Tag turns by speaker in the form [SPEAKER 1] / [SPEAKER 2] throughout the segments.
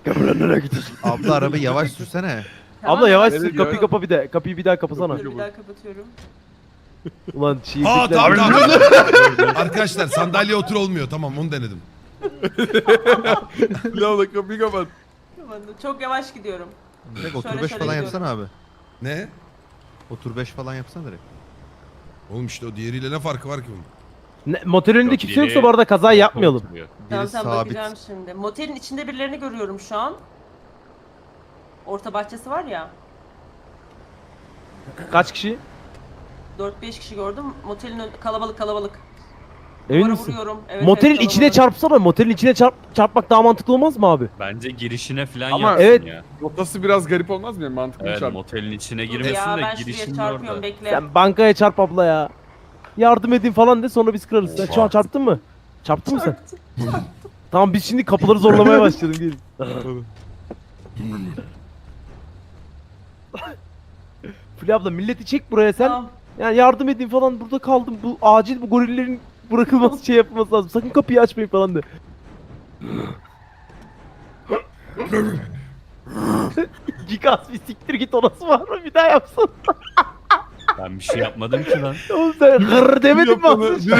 [SPEAKER 1] Nereye gidiyorsun?
[SPEAKER 2] Abla arabayı yavaş sürsene.
[SPEAKER 3] Tamam.
[SPEAKER 1] Abla yavaş
[SPEAKER 4] Evet,
[SPEAKER 1] sür kapıyı
[SPEAKER 4] yavaş.
[SPEAKER 1] kapa bir de. Kapıyı bir daha kapasana.
[SPEAKER 3] Dur bir daha kapatıyorum.
[SPEAKER 1] Ulan
[SPEAKER 5] Ha
[SPEAKER 1] şiirlikler.
[SPEAKER 5] tamam. Arkadaşlar sandalye otur olmuyor. Tamam onu denedim.
[SPEAKER 4] Lavla kapıyı kapat.
[SPEAKER 3] Tamam, çok yavaş gidiyorum.
[SPEAKER 2] Direkt otur
[SPEAKER 3] Şöyle
[SPEAKER 2] 5
[SPEAKER 3] şöyle
[SPEAKER 2] falan
[SPEAKER 3] gidiyorum.
[SPEAKER 2] yapsana abi.
[SPEAKER 5] Ne?
[SPEAKER 2] Otur 5 falan yapsana direkt.
[SPEAKER 5] Oğlum işte o diğeriyle ne farkı var ki bunun?
[SPEAKER 1] Motelin önünde kimse yoksa bu arada kaza yapmayalım.
[SPEAKER 3] Tamam
[SPEAKER 2] Biri
[SPEAKER 3] tamam
[SPEAKER 2] sabit.
[SPEAKER 3] bakacağım şimdi. Motelin içinde birilerini görüyorum şu an. Orta bahçesi var ya.
[SPEAKER 1] Kaç kişi?
[SPEAKER 3] 4-5 kişi gördüm. Motelin kalabalık kalabalık.
[SPEAKER 1] Emin
[SPEAKER 3] Duvara
[SPEAKER 1] misin?
[SPEAKER 3] vuruyorum. Evet,
[SPEAKER 1] Motelin
[SPEAKER 3] evet,
[SPEAKER 1] içine
[SPEAKER 3] kalabalık.
[SPEAKER 1] çarpsana. Motelin içine çarpmak daha mantıklı olmaz mı abi?
[SPEAKER 6] Bence girişine falan
[SPEAKER 4] Ama
[SPEAKER 6] yapsın
[SPEAKER 1] evet.
[SPEAKER 6] ya.
[SPEAKER 4] Rotası biraz garip olmaz mı? Yani mantıklı
[SPEAKER 6] Evet
[SPEAKER 4] çarp.
[SPEAKER 6] motelin içine
[SPEAKER 3] Dur
[SPEAKER 6] girmesin
[SPEAKER 3] ya
[SPEAKER 6] de
[SPEAKER 3] ben şuraya
[SPEAKER 6] girişinin
[SPEAKER 3] çarpıyorum
[SPEAKER 6] orada.
[SPEAKER 3] bekle.
[SPEAKER 1] Sen bankaya çarp abla ya. Yardım edin falan de sonra biz kırarız. Sen şu an çarptın mı? Çarptın mı sen? Tamam biz şimdi kapıları zorlamaya başlayalım gelin. Fulya abla milleti çek buraya sen.
[SPEAKER 3] Tamam.
[SPEAKER 1] Yani yardım edin falan burada kaldım. Bu acil bu gorillerin bırakılması şey yapılması lazım. Sakın kapıyı açmayın falan de. Gigas bir siktir git orası var mı? Bir daha yapsın.
[SPEAKER 6] Ben bir şey yapmadım ki lan.
[SPEAKER 1] Oğlum sen hırr demedin mi
[SPEAKER 4] Yapanı-
[SPEAKER 1] aslında?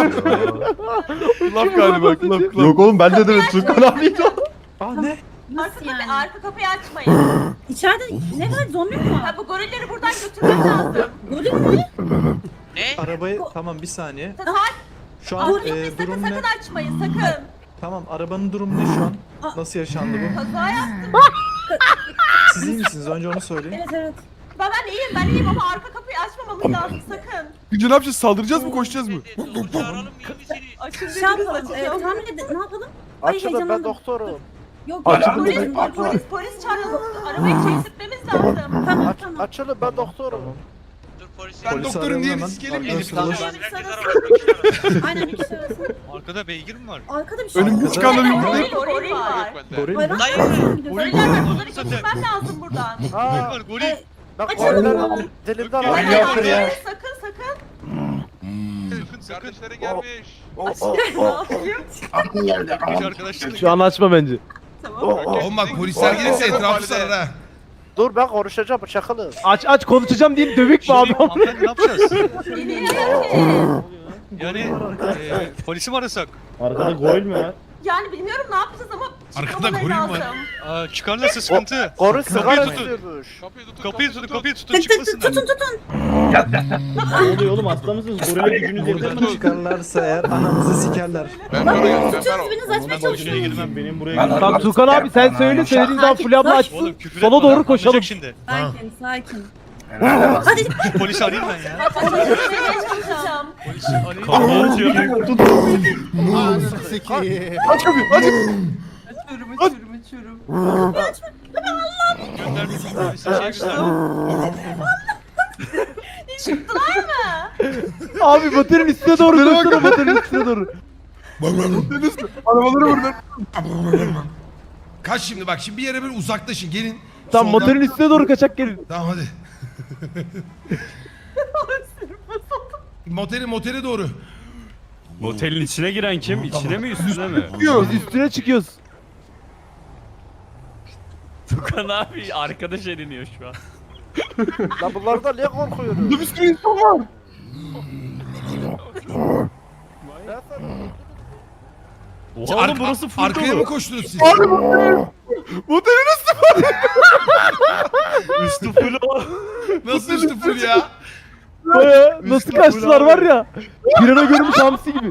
[SPEAKER 4] Laf galiba. Laf.
[SPEAKER 2] Yok oğlum ben de dedim Tukan abiydi o.
[SPEAKER 3] Arka, arka kapıyı açmayın.
[SPEAKER 7] İçeride ne var, zombi mi var?
[SPEAKER 3] Ha, bu gorilleri buradan götürmek lazım.
[SPEAKER 7] Goril mi?
[SPEAKER 8] Arabayı tamam bir saniye.
[SPEAKER 3] Hayır,
[SPEAKER 8] Şu an
[SPEAKER 3] gorilleri sakın
[SPEAKER 8] durum ne?
[SPEAKER 3] sakın açmayın sakın.
[SPEAKER 8] Tamam arabanın durumu ne şu an? Nasıl yaşandı bu?
[SPEAKER 3] Kaza yaptım.
[SPEAKER 8] Siz iyi misiniz? Önce onu söyleyin.
[SPEAKER 7] Evet evet.
[SPEAKER 3] Ben iyiyim ama arka kapıyı açmamamız lazım sakın.
[SPEAKER 4] Gücü ne yapacağız? Saldıracağız mı? Koşacağız mı?
[SPEAKER 3] Açın
[SPEAKER 7] Şey
[SPEAKER 3] dediniz
[SPEAKER 7] yapalım,
[SPEAKER 3] açacağım.
[SPEAKER 7] tahmin edin, ne yapalım?
[SPEAKER 1] Açılın ben
[SPEAKER 7] heyecanlandım.
[SPEAKER 1] doktorum.
[SPEAKER 7] Yok,
[SPEAKER 1] Açılın
[SPEAKER 3] Polis,
[SPEAKER 1] dedim.
[SPEAKER 3] polis çağıralım. Arabayı çektirmemiz lazım.
[SPEAKER 7] Tamam tamam.
[SPEAKER 1] Açılın ben doktorum.
[SPEAKER 5] Ben
[SPEAKER 8] Polisi
[SPEAKER 5] doktorun
[SPEAKER 8] arayalım
[SPEAKER 5] diğerini
[SPEAKER 8] hemen.
[SPEAKER 5] sikelim mi?
[SPEAKER 8] Arkadaşlar ulaş.
[SPEAKER 7] Aynen bir kişi arasın.
[SPEAKER 9] Arkada beygir mi var?
[SPEAKER 7] Arkada bir şey
[SPEAKER 4] Önümüzde
[SPEAKER 7] var.
[SPEAKER 4] çıkanları yumruklayıp.
[SPEAKER 3] Goril var.
[SPEAKER 8] Goril mi?
[SPEAKER 7] Hayvan
[SPEAKER 3] Hayır.
[SPEAKER 7] mı gidiyoruz?
[SPEAKER 3] Goriller var. Bunları götürmem lazım buradan.
[SPEAKER 9] Goril var goril.
[SPEAKER 1] Bak
[SPEAKER 7] Açılın.
[SPEAKER 1] dilimden
[SPEAKER 3] Hayır, sakın sakın.
[SPEAKER 9] Kardeşlerin gelmiş.
[SPEAKER 3] Ne yapayım?
[SPEAKER 9] Arkadaşlar.
[SPEAKER 1] Şu an açma bence.
[SPEAKER 3] Tamam.
[SPEAKER 5] Oğlum bak polisler gelirse etrafı sarar ha.
[SPEAKER 1] Dur ben konuşacağım çakılı. Aç konuşacağım diye dövük mü abi?
[SPEAKER 9] Hanımefendi ne yapacağız?
[SPEAKER 3] Bilmiyorum ki.
[SPEAKER 9] Yani polisi mi arasak?
[SPEAKER 1] Arkada goril mi var?
[SPEAKER 3] Yani bilmiyorum ne yapacağız ama
[SPEAKER 5] Arkada
[SPEAKER 3] çıkmamaları
[SPEAKER 5] goril var.
[SPEAKER 3] lazım.
[SPEAKER 9] Çıkarlarsa sıkıntı.
[SPEAKER 1] Goril
[SPEAKER 9] sigara
[SPEAKER 1] istiyormuş.
[SPEAKER 9] Kapıyı tutun kapıyı tutun
[SPEAKER 7] Tık tık tık
[SPEAKER 9] çıkmasınlar.
[SPEAKER 7] tutun.
[SPEAKER 1] Ne oluyor oğlum hasta mısınız? Gorile gücünüz
[SPEAKER 8] Buradan çıkarlarsa eğer anamızı sikerler.
[SPEAKER 7] Tutuyoruz biriniz açmaya çalışıyoruz.
[SPEAKER 9] girmem.
[SPEAKER 1] Benim buraya Tamam Tukan abi sen söyle söylediğin zaman Fulya abla açsın.
[SPEAKER 9] Oğlum küfür
[SPEAKER 1] Sola
[SPEAKER 9] etme
[SPEAKER 1] doğru
[SPEAKER 9] lan,
[SPEAKER 1] koşalım.
[SPEAKER 9] anlayacak şimdi.
[SPEAKER 7] Sakin sakin.
[SPEAKER 3] Hadi.
[SPEAKER 9] Şu polisi arayayım ben ya.
[SPEAKER 3] Açmaya çalışacağım.
[SPEAKER 9] Polisi arayayım.
[SPEAKER 4] Aç kapıyı. Aç.
[SPEAKER 3] Uçurum.
[SPEAKER 9] Gönder bir polisi şey göster.
[SPEAKER 3] Çıktılar mı?
[SPEAKER 1] Abi motelin üstüne doğru koşsana motelin üstüne doğru.
[SPEAKER 4] Arabaları vurun.
[SPEAKER 5] Kaç şimdi bak şimdi bir yere böyle uzaklaşın gelin.
[SPEAKER 1] Tamam
[SPEAKER 5] Soldan-
[SPEAKER 1] motelin üstüne doğru kaçak gelin.
[SPEAKER 5] Tamam hadi. Motele doğru.
[SPEAKER 6] Motelin içine giren kim? İçine mi üstüne mi?
[SPEAKER 1] Biz üstüne çıkıyoruz.
[SPEAKER 6] Tukan abi arkadaş ediniyor şu an.
[SPEAKER 1] Lan bunlardan niye korkuyoruz?
[SPEAKER 4] Burada bir sürü insan var.
[SPEAKER 6] Oha oğlum burası full
[SPEAKER 5] Arkaya mı
[SPEAKER 6] dolu.
[SPEAKER 5] koştunuz siz?
[SPEAKER 4] Motelin
[SPEAKER 6] Üstü full o.
[SPEAKER 5] Nasıl üstü full ya?
[SPEAKER 1] Baya nasıl kaçtılar var ya. Pirana görmüş hamsi gibi.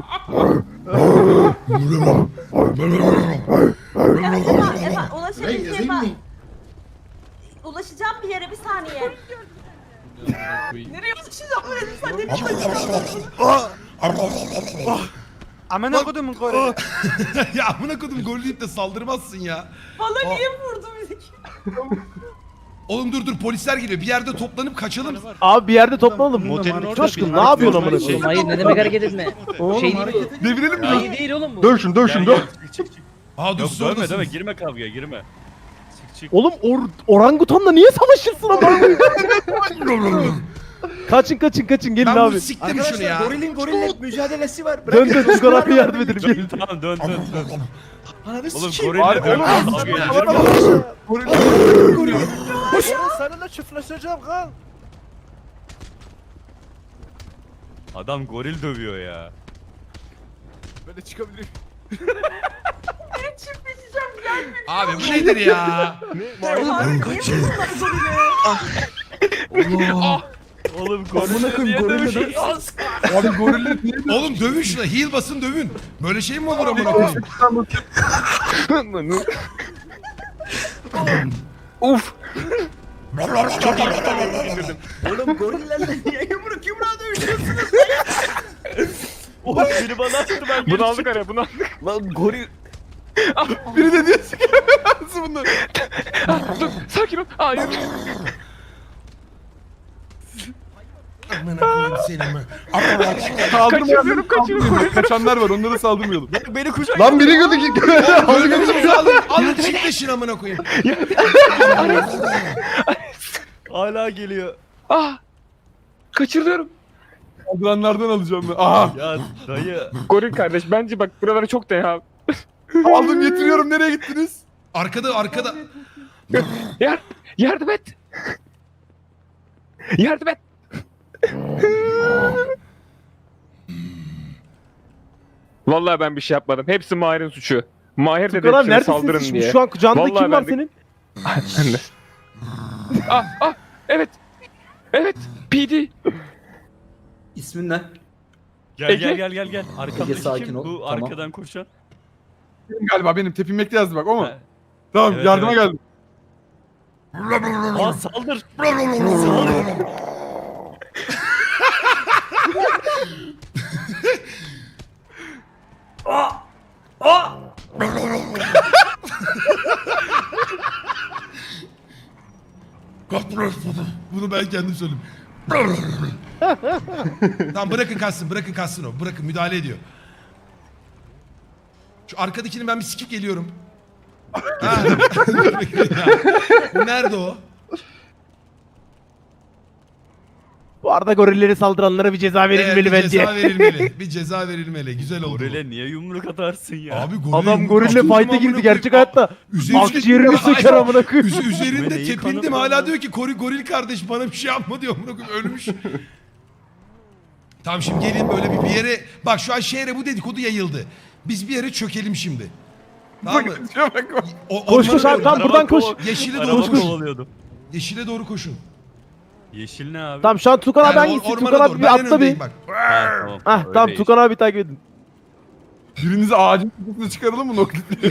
[SPEAKER 3] Efendim ulaşabileceğim ben. Ulaşacağım bir yere bir saniye. Nereye ulaşacağım böyle sen ne biçim?
[SPEAKER 4] Amına kodumun gore.
[SPEAKER 5] Ya amına kodum gol deyip de saldırmazsın ya.
[SPEAKER 3] Bana niye vurdu bizi?
[SPEAKER 5] Oğlum dur polisler geliyor. Bir yerde toplanıp kaçalım.
[SPEAKER 1] Abi bir yerde toplanalım. Coşkun ne yapıyorsun amına koyayım?
[SPEAKER 10] Hayır ne demek hareket etme. Şey değil.
[SPEAKER 4] Devirelim mi?
[SPEAKER 10] İyi değil oğlum bu.
[SPEAKER 4] Dövüşün dövüşün döv.
[SPEAKER 5] Aa dur
[SPEAKER 6] Yok
[SPEAKER 5] siz
[SPEAKER 6] dövme
[SPEAKER 5] oradasınız.
[SPEAKER 6] dövme girme kavgaya girme. Çık çık.
[SPEAKER 1] Oğlum orangutanla niye savaşırsın ama? Kaçın gelin
[SPEAKER 5] Ben
[SPEAKER 1] abi.
[SPEAKER 5] bunu siktim şunu ya.
[SPEAKER 8] Gorilin gorille mücadelesi var.
[SPEAKER 1] Dön Tukan abi yardım edelim gelin.
[SPEAKER 6] Tamam dön.
[SPEAKER 8] Ananı
[SPEAKER 6] Oğlum
[SPEAKER 8] sikeyim.
[SPEAKER 6] gorille
[SPEAKER 4] Oğlum,
[SPEAKER 6] dövüyor.
[SPEAKER 8] Seninle çiftleşeceğim kan.
[SPEAKER 6] Adam goril dövüyor ya.
[SPEAKER 4] Böyle çıkabilirim.
[SPEAKER 3] Çiftleşeceğim gelme.
[SPEAKER 5] Abi bu nedir ya?
[SPEAKER 6] Oğlum gorille niye dövüyor?
[SPEAKER 4] Abi gorille niye
[SPEAKER 5] Oğlum dövün şuna. Heal basın dövün. Böyle şey mi olur amına koyayım?
[SPEAKER 4] Uf.
[SPEAKER 8] Oğlum gorillerle niye yumruğa dövüşüyorsunuz?
[SPEAKER 6] Oğlum biri bana attı ben
[SPEAKER 4] Bunu aldık araya bunu aldık.
[SPEAKER 8] Lan goril.
[SPEAKER 4] Biri de diyor ki nasıl bunlar? Dur sakin ol. Hayır.
[SPEAKER 5] Amına koyayım seni mi?
[SPEAKER 4] Kaçırıyorum. Kaçanlar var onlara saldırmayalım.
[SPEAKER 6] Beni kucak.
[SPEAKER 2] Lan biri gördü.
[SPEAKER 5] Ölümümüzü alın çiftleşin amına koyayım.
[SPEAKER 6] Hala geliyor.
[SPEAKER 4] Ah. Kaçırıyorum. Saldıranlardan alacağım ben. Aha.
[SPEAKER 6] Ya dayı.
[SPEAKER 4] Goril kardeş bence bak buralara çok değer. Aldım getiriyorum nereye gittiniz?
[SPEAKER 5] Arkada.
[SPEAKER 4] Yardım et. Yardım et. Vallahi ben bir şey yapmadım. Hepsi Mahir'in suçu. Mahir dedi
[SPEAKER 1] Tukan abi
[SPEAKER 4] hepsine saldırın
[SPEAKER 1] neredesin?
[SPEAKER 4] diye.
[SPEAKER 1] Şu an kucağında
[SPEAKER 4] Vallahi
[SPEAKER 1] kim var
[SPEAKER 4] ben de-
[SPEAKER 1] senin?
[SPEAKER 4] Evet. Evet. PD.
[SPEAKER 8] İsmin ne?
[SPEAKER 6] Gel
[SPEAKER 4] Ege.
[SPEAKER 6] gel. Arkamdaki
[SPEAKER 8] sakin
[SPEAKER 6] kim?
[SPEAKER 8] ol,
[SPEAKER 6] Bu
[SPEAKER 8] tamam.
[SPEAKER 6] arkadan koşan.
[SPEAKER 4] Galiba benim tepinmekte yazdı bak o mu?
[SPEAKER 6] Ha.
[SPEAKER 4] Tamam
[SPEAKER 6] Evet,
[SPEAKER 4] yardıma
[SPEAKER 6] evet.
[SPEAKER 4] geldim.
[SPEAKER 6] Aa saldır.
[SPEAKER 5] Bunu ben kendim söyleyeyim. Tamam bırakın kaçsın o. Bırakın müdahale ediyor. Şu arkadakini ben bir sikip geliyorum. Ha. Nerede o?
[SPEAKER 1] Bu arada gorilleri saldıranlara bir ceza verilmeli
[SPEAKER 5] bir
[SPEAKER 1] bence.
[SPEAKER 5] ceza verilmeli. Bir ceza verilmeli. Güzel oldu.
[SPEAKER 6] Gorile niye yumruk atarsın ya?
[SPEAKER 5] Abi goril
[SPEAKER 1] Adam
[SPEAKER 5] yumruk
[SPEAKER 1] gorille
[SPEAKER 5] attım
[SPEAKER 1] fight'e
[SPEAKER 5] amına
[SPEAKER 1] girdi
[SPEAKER 5] koyayım.
[SPEAKER 1] gerçek hayatta. Akciğerini söker amına koyayım.
[SPEAKER 5] Üzerinde
[SPEAKER 6] Neyi
[SPEAKER 5] tepindim
[SPEAKER 6] kanı
[SPEAKER 5] hala
[SPEAKER 6] var
[SPEAKER 5] diyor ki goril kardeş bana bir şey yapma diyor amına koyayım ölmüş. Tamam şimdi gelin böyle bir yere bak şu an şehre bu dedikodu yayıldı. Biz bir yere çökelim şimdi. Tamam mı?
[SPEAKER 4] Şuna bak.
[SPEAKER 1] Koş koş abi tamam buradan koş.
[SPEAKER 5] Yeşile
[SPEAKER 6] Araba
[SPEAKER 5] doğru koş.
[SPEAKER 6] kovalıyordum.
[SPEAKER 5] Yeşile doğru koşun.
[SPEAKER 6] Yeşil ne abi?
[SPEAKER 1] Tamam şu an Tukan abi
[SPEAKER 5] Yani
[SPEAKER 1] hangisi?
[SPEAKER 5] ormana
[SPEAKER 1] Tukan
[SPEAKER 5] doğru.
[SPEAKER 1] abi
[SPEAKER 5] Ben en
[SPEAKER 1] bir atla
[SPEAKER 5] öndeyim
[SPEAKER 1] bir.
[SPEAKER 5] bak.
[SPEAKER 6] Ha, tamam.
[SPEAKER 1] Hah
[SPEAKER 6] Öyle
[SPEAKER 1] tamam
[SPEAKER 6] iş.
[SPEAKER 1] Tukan abi takip edin.
[SPEAKER 4] Birinizi ağacın tepesine çıkaralım mı noklitleri?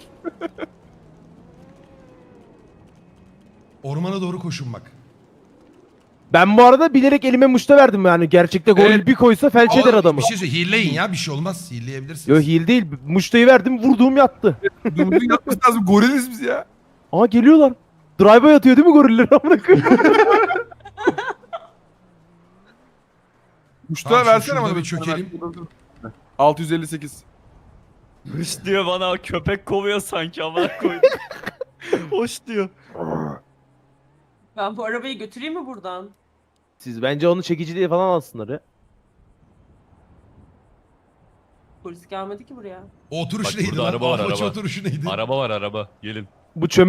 [SPEAKER 5] Ormana doğru koşun bak.
[SPEAKER 1] Ben bu arada bilerek elime muşta verdim yani. Gerçekte goril
[SPEAKER 4] Evet.
[SPEAKER 1] bir koysa felç eder
[SPEAKER 5] Ama
[SPEAKER 1] adamı.
[SPEAKER 5] Bir şey söyle heal'leyin ya bir şey olmaz. Heal'leyebilirsiniz.
[SPEAKER 1] Yo heal değil. Muştayı verdim vurduğum yattı.
[SPEAKER 4] Dumdum yapması lazım. Goriliz biz ya.
[SPEAKER 1] Aa geliyorlar. Drive'a yatıyor değil mi goriller amına koyayım?
[SPEAKER 4] Muşta
[SPEAKER 5] Tamam,
[SPEAKER 4] versene
[SPEAKER 5] şurada
[SPEAKER 4] bana
[SPEAKER 5] bir çökelim.
[SPEAKER 4] 658.
[SPEAKER 6] Hış diyor bana köpek kovuyor sanki amına koydum. Hoş diyor.
[SPEAKER 3] Ben bu arabayı götüreyim mi buradan?
[SPEAKER 1] Siz bence onu çekici diye falan alsınlar ya.
[SPEAKER 3] Polis gelmedi ki buraya.
[SPEAKER 5] O oturuş
[SPEAKER 6] Bak
[SPEAKER 5] neydi
[SPEAKER 6] burada
[SPEAKER 5] lan?
[SPEAKER 6] araba var,
[SPEAKER 5] Apache
[SPEAKER 6] araba.
[SPEAKER 5] oturuşu neydi?
[SPEAKER 6] Araba var araba. Gelin.
[SPEAKER 1] Bu çöme